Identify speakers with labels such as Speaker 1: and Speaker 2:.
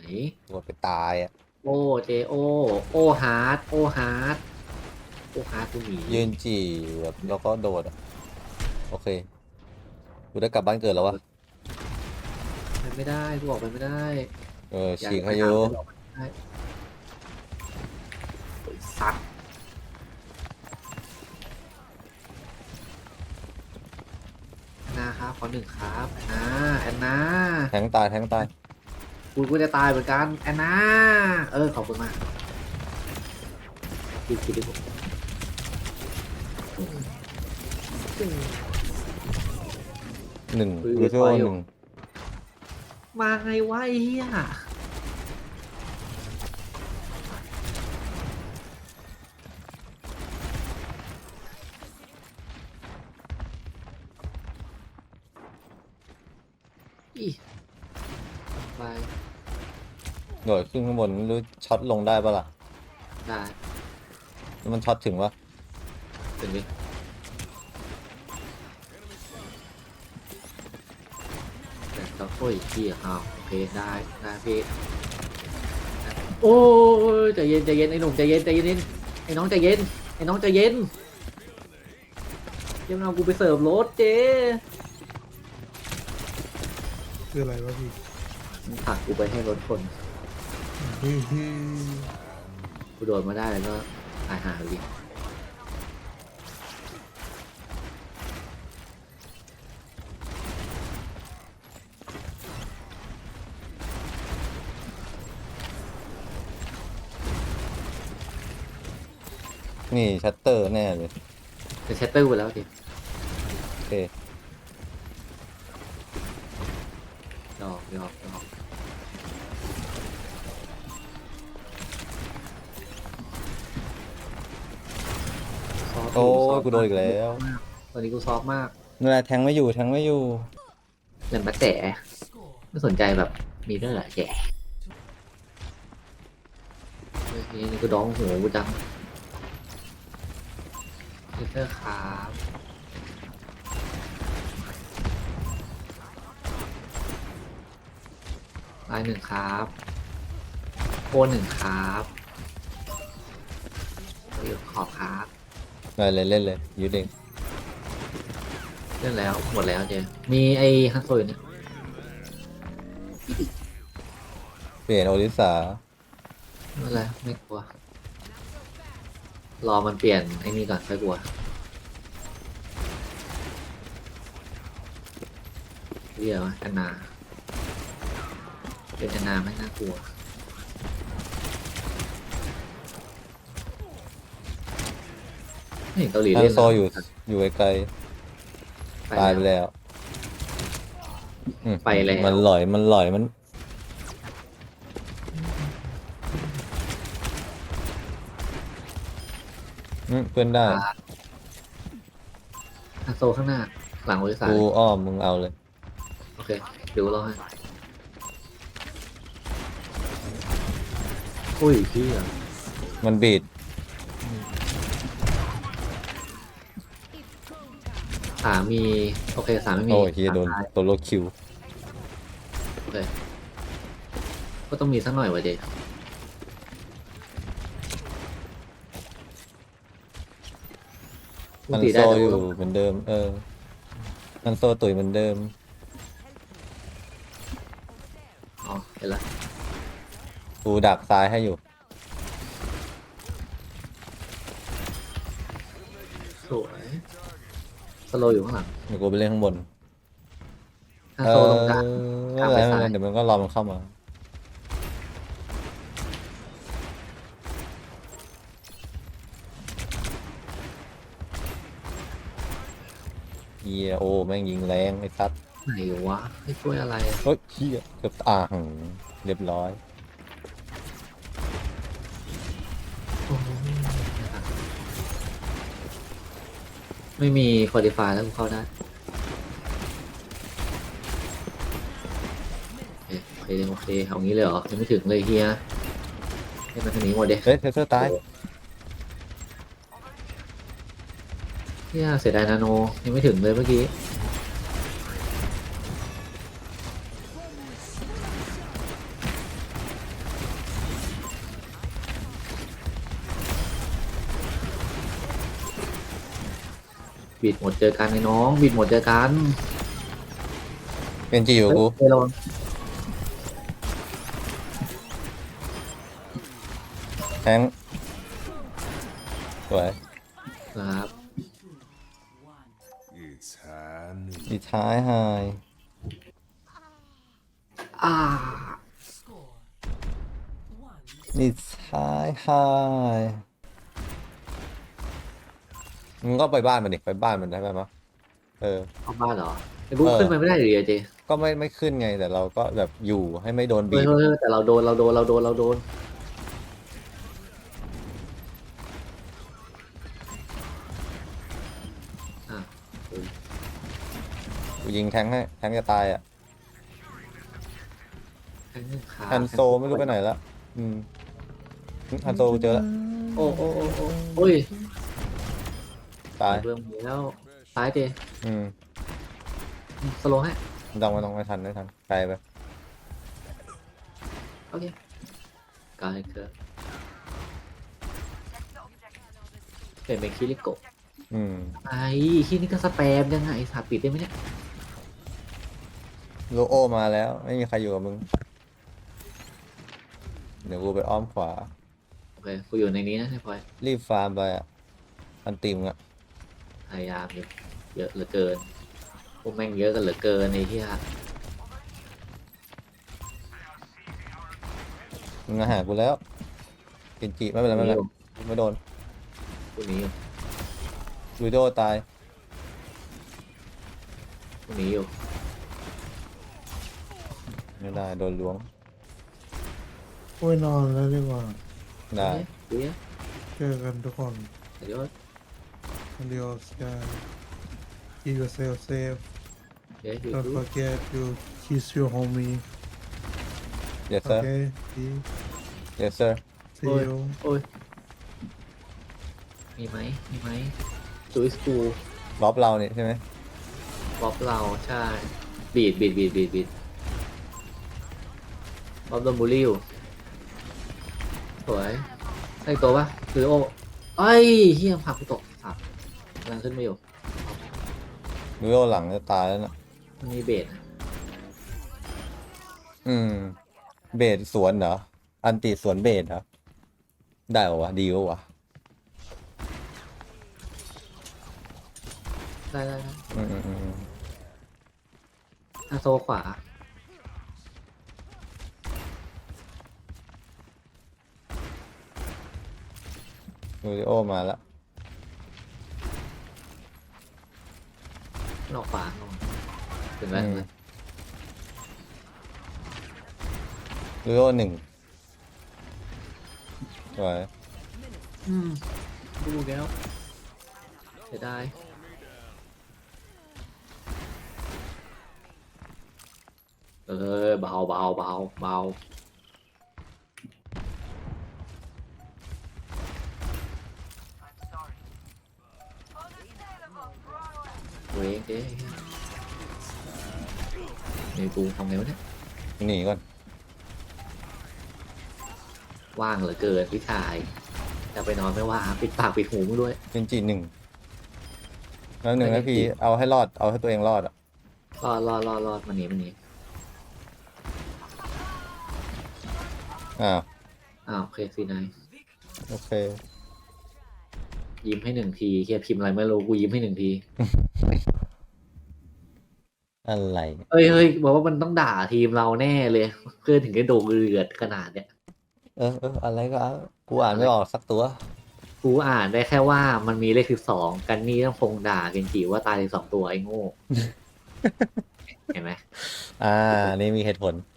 Speaker 1: กดไปตายอ่ะ
Speaker 2: โอเจโอโอฮาร์ดโอฮาร์ดโอฮาร์ดกูหนี
Speaker 1: ยืนจี่แบบแล้วก็โดดอะโอเคกูได้กลับบ้านเกิดแล้ววะ
Speaker 2: ไปไม่ได้กูออกไปไม่ได้อยาก
Speaker 1: ฉีก
Speaker 2: จะไป
Speaker 1: ให้อยู่
Speaker 2: หาเพื่อนออกไปไม่ได้โอ้ยสัตว์แอนนาครับขอหนึ่งครับแอนนา
Speaker 1: แทงตายแทงตาย
Speaker 2: กูจะตายเหมือนกันแอนนาขอบคุณมากคิดดิผม
Speaker 1: หนึ่ง
Speaker 2: คุย
Speaker 1: รู้
Speaker 2: กับ
Speaker 1: ชื่อ
Speaker 2: ไฟ
Speaker 1: ว่า
Speaker 2: อ
Speaker 1: ห
Speaker 2: ยู่
Speaker 1: นึ่ง
Speaker 2: มาไงวะไอ้เหี้ยอีไป
Speaker 1: โดดขึ้นข้างบนไม่รู้ช็อตลงได้ปะล่ะ
Speaker 2: ได้
Speaker 1: แล้วมันช็อตถึงวะ
Speaker 2: ถึงดิแต่ต้องโอ้ยพี่โอเคได้พี่โอ้ยใจเย็นไอ้หนุ่มใจเย็นไอ้น้องใจเย็นไอ้น้องใจเย็นยังเอากูไปเสิร์ฟรถเจ๊
Speaker 3: คืออะไรวะพี่
Speaker 2: มันผลักกูไปให้รถคน
Speaker 3: ฮึ่มฮึ่ม
Speaker 2: กูโดนมาได้แล้วก็ตายหาเลยดิ
Speaker 1: นี่ชัตเตอร์แน่เลย
Speaker 2: จะเชตเตอร์ไปแล้วดิ
Speaker 1: โอเค
Speaker 2: ดอกซอฟต์
Speaker 1: โอ้
Speaker 2: อยู่ซอฟ
Speaker 1: ย
Speaker 2: ต์
Speaker 1: กูโดนอีกแล้ว
Speaker 2: มากตอนนี้กูซอฟต์มาก
Speaker 1: นี่นแหละแทงไม่อยู่แทงไม่อยู่
Speaker 2: เงินมาแต่ไม่สนใจแบบมีเรื่องอะไรแย่เฮ้ยนี่ก็ดองหัวกูจังเตอร์ครับลายหนึ่งครับโอนหนึ่งครับเรียกขอบครับ
Speaker 1: เล่นเลยยืดเอง
Speaker 2: เรื่องแล้วหมดแล้วเจมีไอ้ฮันโซอยู่เนี่ย
Speaker 1: เปลี่ยนโอริสา
Speaker 2: ไม่เป็นไรไม่กลัว รอมันเปลี่ยนไอ้นี่ก่อนค่อยกลัวเรียกว่าแอนนาเป็นแอนนาไม่น่ากลัวไม่เห็นเกาหลี
Speaker 1: ฮั
Speaker 2: เล่
Speaker 1: น
Speaker 2: น
Speaker 1: โซอยู่ไกลๆตายไปแล้ว
Speaker 2: ไปแล้ว
Speaker 1: มันหลอยมันเพื่อนได้
Speaker 2: ฮันโซข้างหน้า หลังบริษัท
Speaker 1: กูอ้อมมึงเอาเลย
Speaker 2: โอเคเดี๋ยวรอให้อุ้ยพี่อ่ะ
Speaker 1: มันบีด
Speaker 2: สามมีโอเคสามไม่มี
Speaker 1: โอ้ยเฮียโดน
Speaker 2: สามตาย
Speaker 1: ตัวโลคิว
Speaker 2: โอเคก็ต้องมีสักหน่อยวะเจ
Speaker 1: มัน
Speaker 2: ตี
Speaker 1: โซ
Speaker 2: ได้แต่
Speaker 1: อยู่
Speaker 2: ว่า
Speaker 1: เหมือนเดิมมันโซตุ๋ยเหมือนเดิม
Speaker 2: อ๋อเห็นละ
Speaker 1: กูดักซ้ายให้อยู่
Speaker 2: สวยสโลอยู่ข้างหลัง
Speaker 1: เดี๋ยวกูไปเล่นข้างบน
Speaker 2: ฮันโซตรงกลาง
Speaker 1: ไม่
Speaker 2: กลาง
Speaker 1: เป็น
Speaker 2: ไป
Speaker 1: ไรไม่
Speaker 2: ซ้า
Speaker 1: เป็นไร
Speaker 2: ย
Speaker 1: เดี๋ยวมันก็รอมันเข้ามาเฮียโอ้แม่งยิงแรงไอ้ซัด
Speaker 2: ไหนวะให้ช่วยอะไรอะ
Speaker 1: เฮ้ยเฮียเกือบเรียบร้อย
Speaker 2: โอ้โหไม่มีคุริฟายแล้วกูเข้าได้โอเคเอางี้เลยเหรอยังไม่ถึงเลยเฮียให้มันทางนี้หมดเด็
Speaker 1: เฮ้ยเทเซอร์ตาย
Speaker 2: เฮียเสียดายนาโนยังไม่ถึงเลยเมื่อกี้บิดหมดเจอกันไอ้น้องบิดหมดเจอกัน
Speaker 1: เป็นจีอยู่กู
Speaker 2: เฮ้ยระวัง
Speaker 1: แทงสวย
Speaker 2: ครับ
Speaker 4: It's honey.
Speaker 1: ดีท้ายไฮ
Speaker 2: อ่า
Speaker 1: ดีท้ายไฮมึงก็ไปบ้านมันดิไปบ้านมันได้ไหมมะเออ
Speaker 2: เข้าบ้านเหรอไอ้บุ๊ก
Speaker 1: เออ
Speaker 2: ขึ้นไปไม่ได้หรือเจ
Speaker 1: ก็ไม่ขึ้นไงแต่เราก็แบบอยู่ให้ไม่โดน
Speaker 2: เฮ้
Speaker 1: บี
Speaker 2: ย
Speaker 1: บ
Speaker 2: เฮ้ยแต่เราโดนอ่ะ
Speaker 1: กูยิงแทงให้แทงจะตายอ่ะ
Speaker 2: แทงหนึ่งขา
Speaker 1: ฮันโซไม่รู้ไปไหนละฮันโซกูเจอแล้ว
Speaker 2: โอ้โอ้โอ้โอ้โอ้ย
Speaker 1: ตาย
Speaker 2: เบิ่มแล้วตายเจ
Speaker 1: อืม
Speaker 2: สโลว์ให้
Speaker 1: ไม่ต้องไม่ทันไกลไป
Speaker 2: โอเคกายเกิดเปลี่ยนเป็นคิริโกะ
Speaker 1: อืม
Speaker 2: ไอ้ที่นี่ก็สแปมยังไงสาปิดได้ไหมเนี่ย
Speaker 1: โลโอมาแล้วไม่มีใครอยู่กับมึงเดี๋ยวกูไปอ้อมขวา
Speaker 2: โอเคกูอยู่ในนี้นะไอ้พลอย
Speaker 1: รีบฟาร์มไปอ่ะอันติมอ่ะ
Speaker 2: พยายามอยู่เยอะเหลือเกินพวกแม่งเยอะกันเหลือเกินไอ้ที่ฮะ
Speaker 1: มึงมาหากูแล้วเกินจิไม่เป็นไรไม่เป็นไรไม่โดน
Speaker 2: พวกนี้อยู่
Speaker 1: ลูโดตาย
Speaker 2: พวกนี้อยู่
Speaker 1: ไม่ได้โดนล้วง
Speaker 3: โอ้ยนอนแล้วดีกว่า
Speaker 1: ได้
Speaker 2: เดี๋ยว
Speaker 3: เจอกันทุกคน
Speaker 2: เดี๋ยว
Speaker 3: Adios guys keep yourself safe
Speaker 2: เดี๋ยวอยู่
Speaker 3: don't forget to kiss your homie
Speaker 1: เดี๋ยวเซอร์
Speaker 3: okay see
Speaker 1: เดี๋ยวเซอร์
Speaker 3: see you
Speaker 2: โอ้ยมีไหมซูอิสกู
Speaker 1: ล็อบเราเนี่ยใช่ไหม
Speaker 2: บ๊อบเราใช่บีดบ๊อบโดนบูลลี่อยู่สวยใช่ตัวปะคือโอ้ไอ้เฮียผักกูตกสับกำลังขึ้นมาอยู่
Speaker 1: ลูโดหลังจะตายแล้วนะ
Speaker 2: มันมีเบสนะ
Speaker 1: เบสสวนเหรออันติสวนเบสเหรอได้ปะวะดีปะวะ
Speaker 2: ได้
Speaker 1: อืม
Speaker 2: อาโซขวา
Speaker 1: ลูโดมาแล้ว
Speaker 2: นอกขวาถึงแล้ว
Speaker 1: ลูโด1สวย
Speaker 2: ดูแล้วเสียดายเบาเว้ยเจ๊นี่กูทำไงวะเนี่ย
Speaker 1: หนีก่อน
Speaker 2: ว่างเหลือเกินพี่ชายจะไปนอนไม่ว่าปิดปากปิดหูมึงด้วย
Speaker 1: เป็นจี1แล้ว1นาทีเอาให้รอดเอาให้ตัวเองรอดอ่ะ
Speaker 2: รอดมันหนี
Speaker 1: อ้าว
Speaker 2: โอเคซีนาย
Speaker 1: โอเค
Speaker 2: ยิ้มให้หนึ่งทีเฮียพิมพ์อะไรไม่รู้กูยิ้มให้หนึ่งที
Speaker 1: อะไร
Speaker 2: เฮ้ยบอกว่ามันต้องด่าทีมเราแน่เลยเพื่อนถึงได้โดนเดือดขนาดเนี้ย
Speaker 1: อะไรก็เอากูอ่านไม่ออกสักตัว
Speaker 2: กูอ่านได้แค่ว่ามันมีเลข12กันนี่ต้องคงด่าเกนจิว่าตาย12ตัวไอ้โง่ เห็นไหม
Speaker 1: นี่มีเหตุผล